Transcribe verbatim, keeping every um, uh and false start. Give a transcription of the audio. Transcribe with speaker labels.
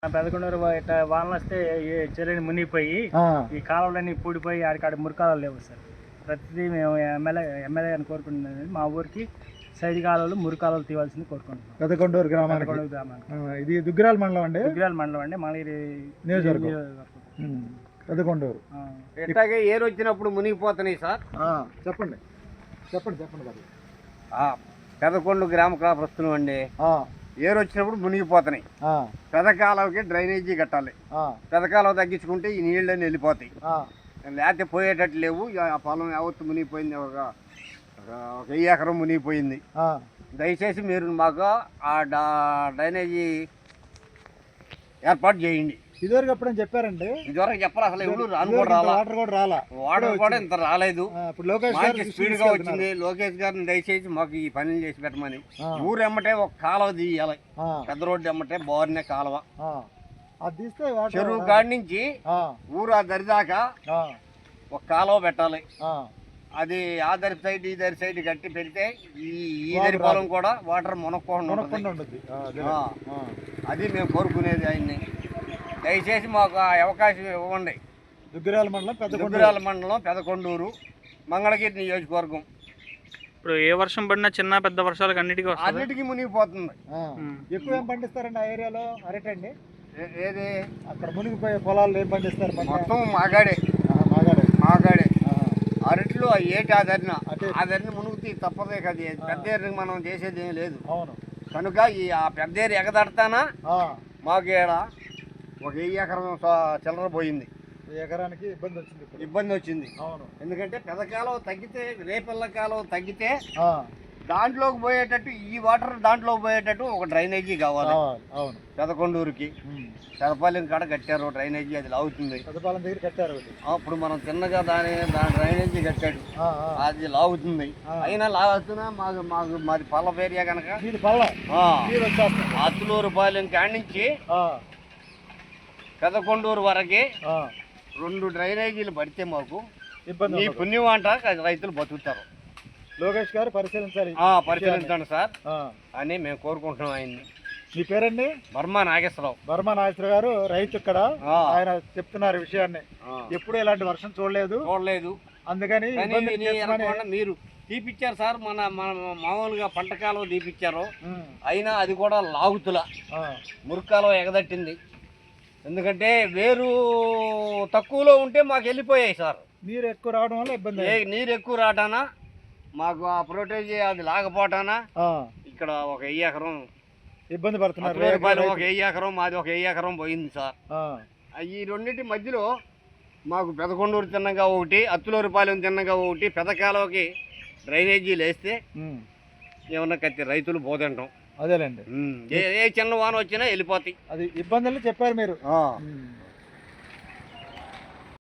Speaker 1: పెదకొండూరు ఇట్లా వానలు వస్తే చెరువుని మునిగిపోయి ఈ కాలువలన్నీ పూడిపోయి ఆడికాడ మురికాలు లేవు సార్. ప్రతిదీ మేము ఎమ్మెల్యే ఎమ్మెల్యే అని కోరుకుంటున్నది మా ఊరికి సైడ్ కాలువలు మురికాలువలు తీవాల్సింది కోరుకుంటున్నాం.
Speaker 2: పెదకొండూరు గ్రామానికి గ్రామానికి ఇది దుగ్గిరాల మండలం అండి.
Speaker 1: దుగ్గిరాల మండలం అండి మంగళగిరి
Speaker 2: నియోజకవర్గం పెదకొండూరు.
Speaker 3: ఇట్లాగే ఏరు వచ్చినప్పుడు మునిగిపోతున్నాయి సార్.
Speaker 2: చెప్పండి చెప్పండి చెప్పండి బాబు.
Speaker 3: పెదకొండ గ్రామ కాపురస్తున్నాం అండి. ఏరు వచ్చినప్పుడు మునిగిపోతున్నాయి. పెదకాలవకి డ్రైనేజీ కట్టాలి. పెదకాలవ తగ్గించుకుంటే ఈ నీళ్ళని వెళ్ళిపోతాయి. లేకపోతే పోయేటట్టు లేవు. ఆ పొలం యావత్తు మునిగిపోయింది. ఒక ఒక వెయ్యి ఎకరం మునిగిపోయింది. దయచేసి మీరు మాకు ఆ డ్రైనేజీ ఏర్పాటు చేయండి.
Speaker 2: ఇదివరకు ఎప్పుడని చెప్పారండి?
Speaker 3: ఇదివరకు చెప్పాలి. అసలు ఎవరు రాను కూడా రాలా.
Speaker 2: వాటర్ కూడా రాలా.
Speaker 3: వాటర్ కూడా ఇంత రాలేదు.
Speaker 2: మంచి
Speaker 3: స్పీడ్ గా వచ్చింది. లోకేష్ గారిని దయచేసి మాకు ఈ పనులు చేసి పెట్టమని. ఊరు ఎమ్మటే ఒక కాలువ తీయాలి. పెద్ద రోడ్డు ఎమ్మటే బోర్నే కాలువ. చెరువు కాడి నుంచి ఊరు ఆ దరిదాకా ఒక కాలువ పెట్టాలి. అది ఆ దరి సైడ్ ఈ దరి సైడ్ కట్టి పెడితే ఈ ఈ దరి పొలం కూడా వాటర్ మునక్కోకుండా ఉంటుంది. అది మేము కోరుకునేది ఆయన్ని. దయచేసి మాకు ఆ అవకాశం ఇవ్వండి.
Speaker 2: దుగ్గిరాల మండలం
Speaker 3: దుగ్గిరాల మండలం పెదకొండూరు మంగళగిరి నియోజకవర్గం.
Speaker 1: ఇప్పుడు ఏ వర్షం పడినా చిన్న పెద్ద వర్షాలకు అన్నిటికీ
Speaker 3: అన్నిటికీ మునిగిపోతుంది.
Speaker 2: ఎక్కువ ఏం పండిస్తారండి ఆ ఏరియాలో? అరటి అండి.
Speaker 3: ఏది
Speaker 2: అక్కడ మునిగిపోయే పొలాలు ఏం పండిస్తారు?
Speaker 3: మొత్తం మాగాడే
Speaker 2: మాగాడే
Speaker 3: మాగాడే అరట్లు ఏటి ఆదరణ ఆదరణ మునుగుతీ తప్పదే కదా. పెద్ద ఏరికి మనం చేసేది ఏం లేదు. కనుక ఈ ఆ పెద్ద ఏరి ఎగదడతానా మాకు ఏడ ఒక వెయ్యి ఎకరం చిల్లర పోయింది.
Speaker 2: ఎకరానికి ఇబ్బంది వచ్చింది.
Speaker 3: ఇబ్బంది వచ్చింది. ఎందుకంటే పెదకాలం తగ్గితే రేపల్ల కాలం తగ్గితే దాంట్లోకి పోయేటట్టు ఈ వాటర్ దాంట్లోకి పోయేటట్టు ఒక డ్రైనేజీ కావాలి. పెదకొండూరుకి పెదపాలెం కాడ కట్టారు డ్రైనేజీ. అది లాగుతుంది.
Speaker 2: పెదపాలెం దగ్గర కట్టారు.
Speaker 3: అప్పుడు మనం చిన్నగా దాని దాని డ్రైనేజీ కట్టాడు. అది లాగుతుంది. అయినా లాగుతున్నా మాకు మాకు మాది పల్ల ఏరియా కనుక అత్తులూరు పాలెం కాడి నుంచి పెదకొండూరు వరకే రెండు డ్రైనేజీలు పడితే మాకు ఇబ్బంది. ఈ పుణ్యం అంట రైతులు బతుకుతారు.
Speaker 2: లోకేష్ గారు పరిశీలించాలి.
Speaker 3: పరిశీలించండి సార్ అని మేము కోరుకుంటున్నాం ఆయన్ని.
Speaker 2: మీ పేరండి?
Speaker 3: బర్మా నాగేశ్వరరావు.
Speaker 2: బర్మా నాగేశ్వరరావు గారు రైతు ఇక్కడ. ఆయన చెప్తున్నారు విషయాన్ని. ఎప్పుడు ఇలాంటి వర్షం చూడలేదు
Speaker 3: చూడలేదు
Speaker 2: అందుకని
Speaker 3: మీరు తీపిచ్చారు సార్. మన మన మామూలుగా పంట కాలం తీపిచ్చారు. అయినా అది కూడా లాగుతుల మురికాలం ఎగదట్టింది. ఎందుకంటే వేరు తక్కువలో ఉంటే మాకు వెళ్ళిపోయాయి సార్.
Speaker 2: నీరు ఎక్కువ రావడం వల్ల ఇబ్బంది.
Speaker 3: నీరు ఎక్కువ రావటానా మాకు ఆ ప్రొటేజీ అది లాగపోటానా ఇక్కడ ఒక వెయ్యి ఎకరం
Speaker 2: ఇబ్బంది పడుతున్నారు.
Speaker 3: ఒక వెయ్యి ఎకరం మాది ఒక వెయ్యి ఎకరం పోయింది సార్. ఈ రెండింటి మధ్యలో మాకు పెదకొండూరు తిన్నగా ఒకటి, అత్తులూరుపాలెం తిన్నగా ఒకటి, పెదకాలవకి డ్రైనేజీలు వేస్తే ఏమన్నా కత్తి రైతులు పోతుంటాం.
Speaker 2: అదేలేండి.
Speaker 3: ఏ చిన్న వాన వచ్చినా వెళ్ళిపోతాయి.
Speaker 2: అది ఇబ్బందులు చెప్పారు మీరు.